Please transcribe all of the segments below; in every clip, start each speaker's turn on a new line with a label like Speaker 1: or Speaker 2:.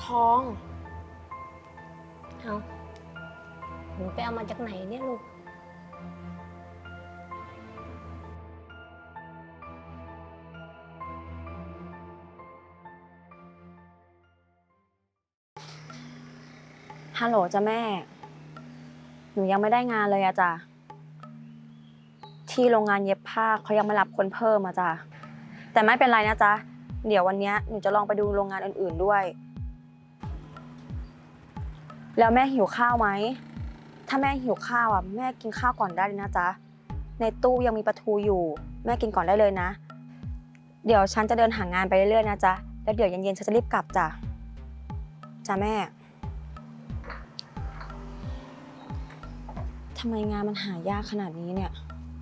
Speaker 1: องเอาหนูไปเอามาจากไหนเนี่ยลูกฮัลโหลจ้ะแม่หนูยังไม่ได้งานเลยอะจ้ะที่โรงงานเย็บผ้าเขายังไม่รับคนเพิ่มอะจ้ะแต่ไม่เป็นไรนะจ๊ะเดี๋ยววันนี้หนูจะลองไปดูโรงงานอื่นๆด้วยแล้วแม่หิวข้าวไหมถ้าแม่หิวข้าวอ่ะแม่กินข้าวก่อนได้เลยนะจ๊ะในตู้ยังมีปลาทูอยู่แม่กินก่อนได้เลยนะเดี๋ยวฉันจะเดินหางานไปเรื่อยๆนะจ๊ะแล้วเดี๋ยวเย็นๆฉันจะรีบกลับจ้ะจ้ะแม่ทำไมงานมันหายากขนาดนี้เนี่ย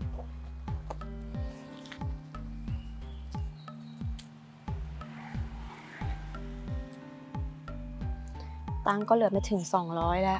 Speaker 1: ตังค์ก็เหลือไม่ถึง200แล้ว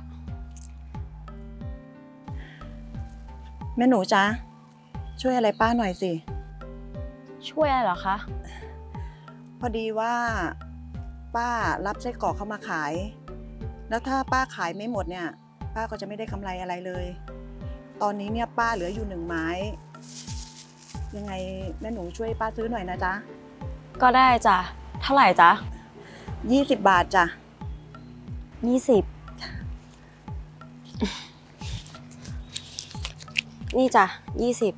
Speaker 2: แม่หนูจ๊ะช่วยอะไรป้าหน่อยสิ
Speaker 1: ช่วยอะไรเหรอคะ
Speaker 2: พอดีว่าป้ารับไส้กรอกเข้ามาขายแล้วถ้าป้าขายไม่หมดเนี่ยป้าก็จะไม่ได้กำไรอะไรเลยตอนนี้เนี่ยป้าเหลืออยู่1 ไม้ยังไงแม่หนูช่วยป้าซื้อหน่อยนะจ๊ะ
Speaker 1: ก็ได้จ้ะเท่าไหร่จ๊ะ
Speaker 2: 20 บาทจ้ะ
Speaker 1: 20นี่จ้ะ20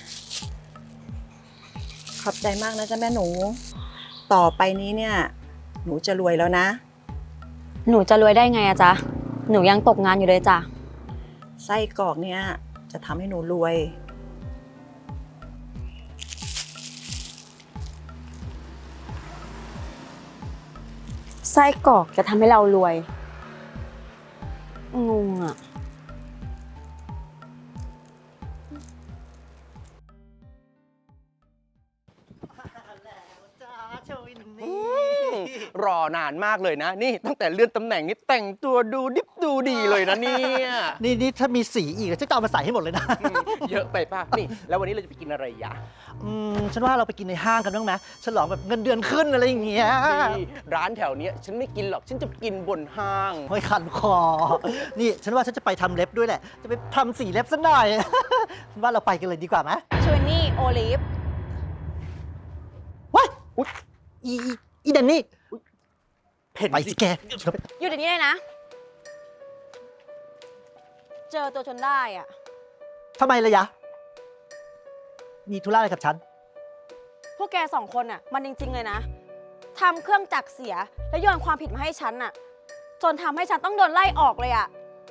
Speaker 2: ขอบใจมากนะจ๊ะแม่หนูต่อไปนี้เนี่ยหนูจะรวยแล้วนะ
Speaker 1: หนูจะรวยได้ไงอะจ๊ะหนูยังตกงานอยู่เลยจ้ะ
Speaker 2: ไส้กรอกเนี่ยจะทำให้หนูรวย
Speaker 1: ไส้กรอกจะทำให้เรารวยงงอะ
Speaker 3: รอนานมากเลยนะนี่ตั้งแต่เลื่อนตำแหน่งนี่แต่งตัวดูดิบดูดีเลยนะเนี่ย
Speaker 4: นี่ถ้ามีสีอีกฉันจะเอามาใส่ให้หมดเลยนะ
Speaker 3: เยอะไปป่ะนี่แล้ววันนี้เราจะไปกินอะไรยะ
Speaker 4: ฉันว่าเราไปกินในห้างกันบ้างไหมฉลองแบบเงินเดือนขึ้นอะไรอย่างเงี้ย
Speaker 3: ร้านแถวเนี้ยฉันไม่กินหรอกฉันจะกินบนห้าง
Speaker 4: โอ้ยขันคอนี่ฉันว่าฉันจะไปทำเล็บด้วยแหละจะไปทำสีเล็บซะหน่อยฉันว่าเราไปกันเลยดีกว่าไหม
Speaker 1: ชวนนี่โอลิฟ
Speaker 4: ว้ายอีเดนนี่ไปสิแก
Speaker 1: อยู่เดี๋ยวนี้เลยนะเจอตัวจนได้อ่ะ
Speaker 4: ทำไมเลยยะมีธุระอะไรกับฉัน
Speaker 1: พวกแก2 คนอ่ะมันจริงๆเลยนะทำเครื่องจักรเสียแล้วโยนความผิดมาให้ฉันอ่ะจนทำให้ฉันต้องโดนไล่ออกเลยอ่ะ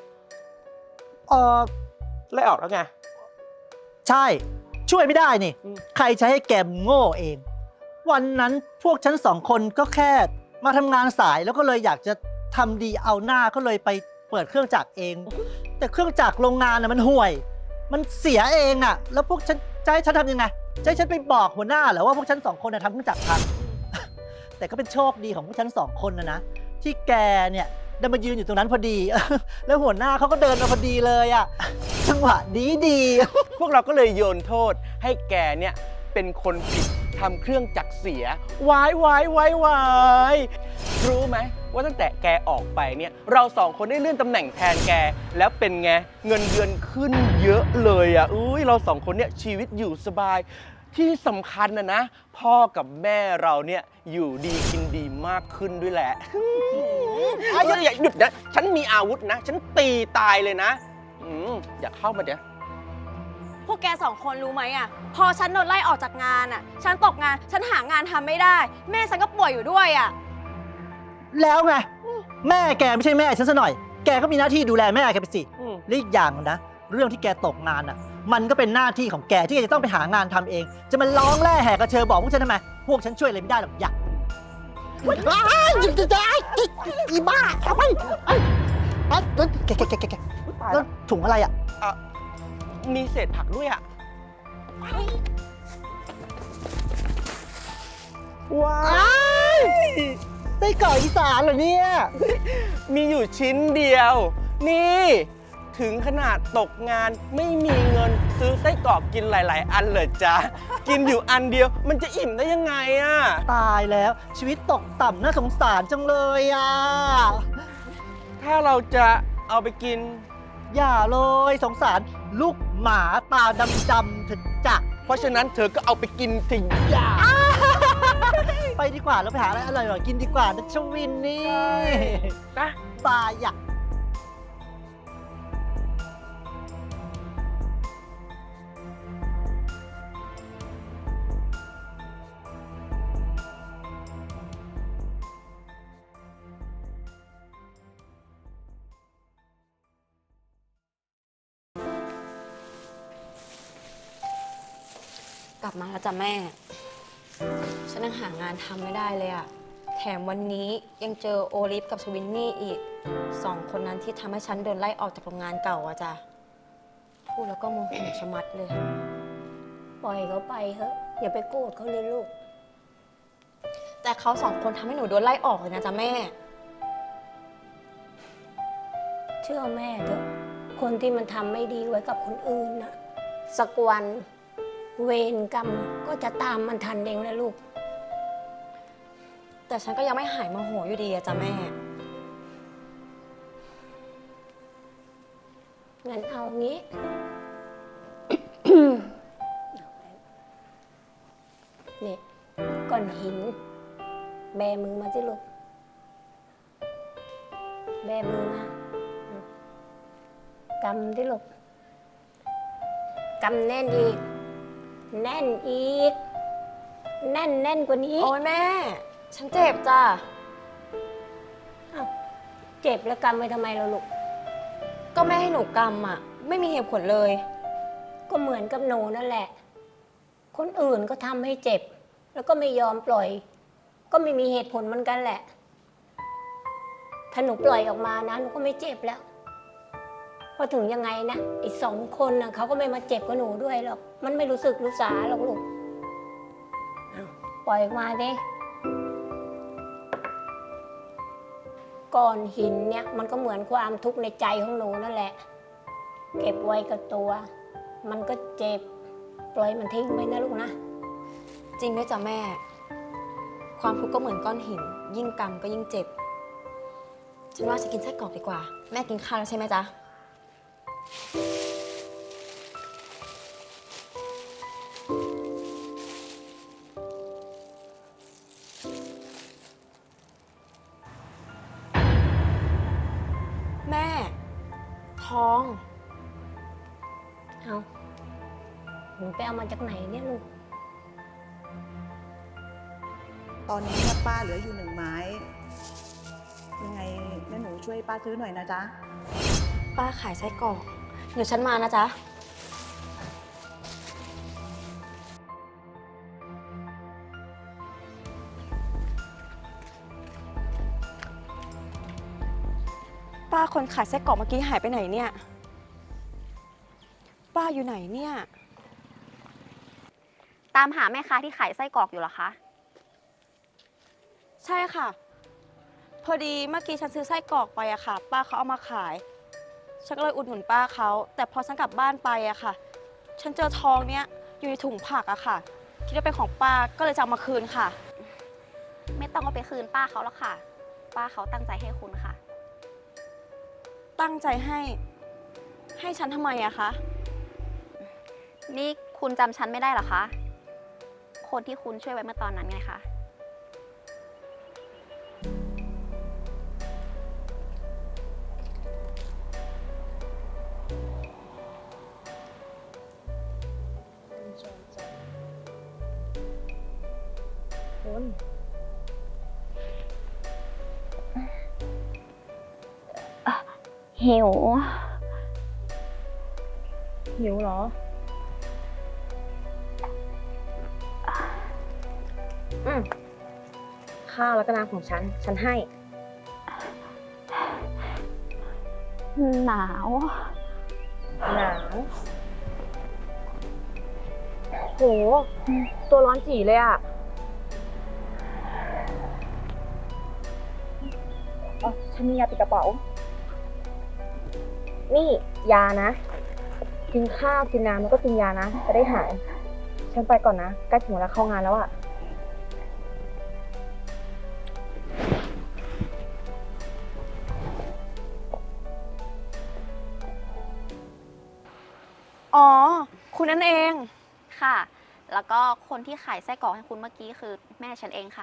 Speaker 3: ไล่ออกแล้วไง
Speaker 4: ใช่ช่วยไม่ได้นี่ใครจะให้แกโง่เองวันนั้นพวกฉัน2 คนก็แค่มาทำงานสายแล้วก็เลยอยากจะทำดีเอาหน้าก็เลยไปเปิดเครื่องจักรเองแต่เครื่องจักรโรงงานน่ะมันห่วยมันเสียเองอ่ะแล้วพวกฉันจะให้ฉันทำยังไงจะให้ฉันไปบอกหัวหน้าเหรอว่าพวกฉัน2 คนทำเครื่องจักรพัง แต่ก็เป็นโชคดีของพวกฉัน2 คนนะที่แกเนี่ยได้มายืนอยู่ตรงนั้นพอดี แล้วหัวหน้าเขาก็เดินมาพอดีเลยอ่ะจังหวะดี
Speaker 3: พวกเราก็เลยโยนโทษให้แกเนี่ยเป็นคนผิดทำเครื่องจักรเสียวายวายรู้ไหมว่าตั้งแต่แกออกไปเนี่ยเรา2 คนได้เลื่อนตำแหน่งแทนแกแล้วเป็นไงเงินเดือนขึ้นเยอะเลยอ่ะเรา2 คนเนี่ยชีวิตอยู่สบายที่สำคัญนะพ่อกับแม่เราเนี่ยอยู่ดีกินดีมากขึ้นด้วยแหละอย่าหยุดนะฉันมีอาวุธนะฉันตีตายเลยนะอย่าเข้ามาเดี๋ยว
Speaker 1: พวกแก2 คนรู้ไหมอ่ะพอฉันโดนไล่ออกจากงานอ่ะฉันตกงานฉันหางานทำไม่ได้แม่ฉันก็ป่วยอยู่ด้วยอ่ะ
Speaker 4: แล้วไงแม่แกไม่ใช่แม่ฉันซะหน่อยแกก็มีหน้าที่ดูแลแม่แกไปสิและอีกอย่างนะเรื่องที่แกตกงานอ่ะมันก็เป็นหน้าที่ของแกที่แกจะต้องไปหางานทำเองจะมาร้องแร่แหกกระเชอบอกพวกฉันทำไมพวกฉันช่วยอะไรไม่ได้หรอกอย่าอีบ้าเอาไปแกแล้วถุงอะไรอ่ะ
Speaker 3: มีเศษผักด้วยอ่ะว้าย
Speaker 4: ไส้กรอกอีสานเหรอเนี่ย
Speaker 3: มีอยู่ชิ้นเดียวนี่ถึงขนาดตกงานไม่มีเงินซื้อไส้กรอกกินหลาย ๆ อันเลยจ๊ะ กินอยู่อันเดียวมันจะอิ่มได้ยังไงอะ
Speaker 4: ตายแล้วชีวิตตกต่ำน่าสงสารจังเลยอ่ะ
Speaker 3: ถ้าเราจะเอาไปกิน
Speaker 4: อย่าเลยสงสารลูกหมาตาดำๆเถอะจ้ะ
Speaker 3: เพราะฉะนั้นเธอก็เอาไปกินสิอย่า
Speaker 4: ไปดีกว่าเราไปหาอะไรอร่อยๆกินดีกว่านะชวินนี่
Speaker 3: นะ
Speaker 4: ตายอยาก
Speaker 1: กลับมาแล้วจ้ะแม่ ฉันยังหางานทำไม่ได้เลยอะแถมวันนี้ยังเจอโอลิฟกับชวินนี่อีก2 คนนั้นที่ทำให้ฉันโดนไล่ออกจากโรงงานเก่าอะจ้ะพูดแล้วก็โมโหชะมัดเลย
Speaker 5: ปล่อยเขาไปเถอะอย่าไปโกรธเขาเลยลูก
Speaker 1: แต่เขา2 คนทำให้หนูโดนไล่ออกเลยนะจ๊ะแม่
Speaker 5: เชื่อแม่เถอะคนที่มันทำไม่ดีไว้กับคนอื่นนะสักวันเวรกรรมก็จะตามมันทันเองนะลูก
Speaker 1: แต่ฉันก็ยังไม่หายโมโหอยู่ดีอะจ้ะแม่
Speaker 5: งั้นเอางี้ นี่ก้อนหิน แบมือมาสิลูก แบมือมากำสิลูก กำแน่นอีก แน่นอีก แน่นกว่านี้
Speaker 1: โอ้ยแม่ ฉันเจ็บจ้ะ
Speaker 5: อ้าวเจ็บแล้วกำไว้ทำไมล่ะลูก
Speaker 1: ก็แม่ให้หนูกำอะไม่มีเหตุผลเลย
Speaker 5: ก็เหมือนกับหนูนั่นแหละ คนอื่นก็ทำให้เจ็บ แล้วก็ไม่ยอมปล่อย ก็ไม่มีเหตุผลเหมือนกันแหละ ถ้าหนูปล่อยออกมานะหนูก็ไม่เจ็บแล้วเพอถึงยังไงนะไอ้2 คนนะเขาก็ไม่มาเจ็บกับหนูด้วยหรอก มันไม่รู้สึกรู้สาหรอกลูกอ้าวปล่อยออกมาดิก้อนหินเนี่ยมันก็เหมือนความทุกข์ในใจของหนูนั่นแหละ เก็บไว้กับตัว มันก็เจ็บ ปล่อยมันทิ้งไปนะลูกนะ
Speaker 1: จริงด้วยจ้ะแม่ ความทุกข์ก็เหมือนก้อนหิน ยิ่งกำก็ยิ่งเจ็บ ฉันว่าจะกินไส้กรอกดีกว่า แม่กินข้าวแล้วใช่ไหมจ๊ะ แม่ ท้อง
Speaker 5: เอาหนูไปเอามาจากไหนเนี่ยลูก
Speaker 2: ตอนนี้เนี่ยป้าเหลืออยู่1 ไม้ ยังไงแม่หนูช่วยป้าซื้อหน่อยนะจ๊ะ
Speaker 1: ป้าขายไส้กรอก เดี๋ยวฉันมานะจ๊ะ ป้าคนขายไส้กรอกเมื่อกี้หายไปไหนเนี่ย ป้าอยู่ไหนเนี่ย
Speaker 6: ตามหาแม่ค้าที่ขายไส้กรอกอยู่เหรอคะ
Speaker 1: ใช่ค่ะ พอดีเมื่อกี้ฉันซื้อไส้กรอกไปอะค่ะ ป้าเขาเอามาขาย ฉันก็เลยอุดหนุนป้าเขา แต่พอฉันกลับบ้านไปอะค่ะ ฉันเจอทองเนี้ยอยู่ในถุงผักอะค่ะ คิดว่าเป็นของป้าก็เลยจะเอามาคืนค่ะ
Speaker 6: ไม่ต้องเอาไปคืนป้าเขาหรอกค่ะ ป้าเขาตั้งใจให้คุณค่ะ
Speaker 1: ตั้งใจให้ฉันทำไมอะคะ
Speaker 6: นี่คุณจำฉันไม่ได้เหรอคะ คนที่คุณช่วยไว้เมื่อตอนนั้นไงคะ
Speaker 5: หิว
Speaker 1: หิวเหรอ ข้าวแล้วก็น้ำของฉันให้
Speaker 6: หนาว
Speaker 1: หนาว โห ตัวร้อนจีเลยอ่ะอ๋อฉันมียาติดกระเป๋า นี่ ยานะ กิกินข้าวกินน้ำแล้วก็กินยานะจะได้หาย ฉันไปก่อนนะใกล้ถึงเวลาเข้างานแล้วอะอ๋อ คุณนั่นเอง
Speaker 6: ค่ะ แล้วก็คนที่ขายไส้กรอกให้คุณเมื่อกี้คือแม่ฉันเองค่ะ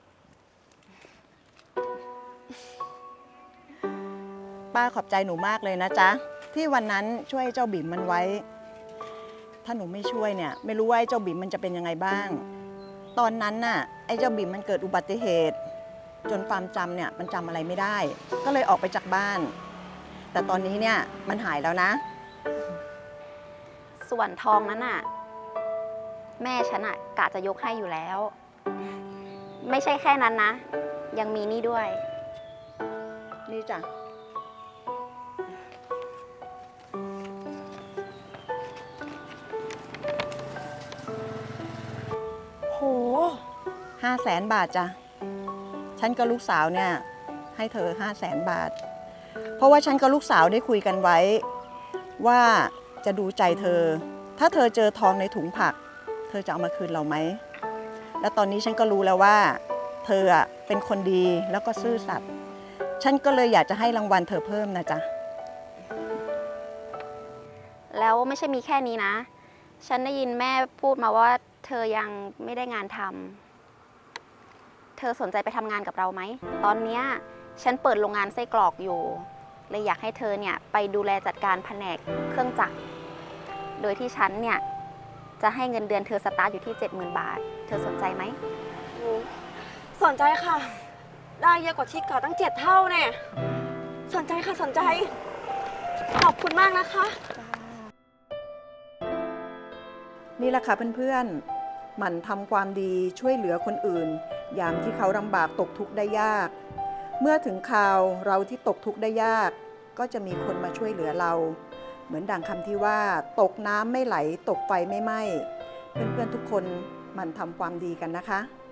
Speaker 2: ป้าขอบใจหนูมากเลยนะจ๊ะ ที่วันนั้นช่วยเจ้าบิ่มมันไว้ ถ้าหนูไม่ช่วยเนี่ย ไม่รู้ว่าไอ้เจ้าบิ่มมันจะเป็นยังไงบ้าง ตอนนั้นน่ะไอ้เจ้าบิ่มมันเกิดอุบัติเหตุ จนความจำเนี่ยมันจำอะไรไม่ได้ ก็เลยออกไปจากบ้าน แต่ตอนนี้เนี่ยมันหายแล้วนะ
Speaker 6: ส่วนทองนั้นน่ะ แม่ฉันอ่ะกะจะยกให้อยู่แล้ว ไม่ใช่แค่นั้นนะ ยังมีนี่ด้วย
Speaker 2: นี่จ้ะ
Speaker 1: โห
Speaker 2: 500,000 บาทจ้ะ ฉันกับลูกสาวเนี่ยให้เธอ 500,000 บาท เพราะว่าฉันกับลูกสาวได้คุยกันไว้ ว่าจะดูใจเธอ ถ้าเธอเจอทองในถุงผัก เธอจะเอามาคืนเราไหม แล้วตอนนี้ฉันก็รู้แล้วว่า เธออะเป็นคนดีแล้วก็ซื่อสัตย์ ฉันก็เลยอยากจะให้รางวัลเธอเพิ่มนะจ๊ะ
Speaker 6: แล้วไม่ใช่มีแค่นี้นะ ฉันได้ยินแม่พูดมาว่าเธอยังไม่ได้งานทำ เธอสนใจไปทำงานกับเราไหม ตอนเนี้ยฉันเปิดโรงงานไส้กรอกอยู่ เลยอยากให้เธอเนี่ยไปดูแลจัดการแผนกเครื่องจักร โดยที่ฉันเนี่ยจะให้เงินเดือนเธอสตาร์ทอยู่ที่ 70,000 บาท เธอสนใจไหม
Speaker 1: สนใจค่ะ ได้เยอะกว่าที่เก่าตั้ง7 เท่าเนี่ย สนใจค่ะสนใจ ขอบคุณมากนะคะ
Speaker 2: นี่แหละค่ะเพื่อนๆหมั่นทำความดีช่วยเหลือคนอื่น ยามที่เขาลำบากตกทุกข์ได้ยาก เมื่อถึงคราวเราที่ตกทุกข์ได้ยาก ก็จะมีคนมาช่วยเหลือเรา เหมือนดังคำที่ว่าตกน้ำไม่ไหลตกไฟไม่ไหม้ เพื่อนๆทุกคนหมั่นทำความดีกันนะคะ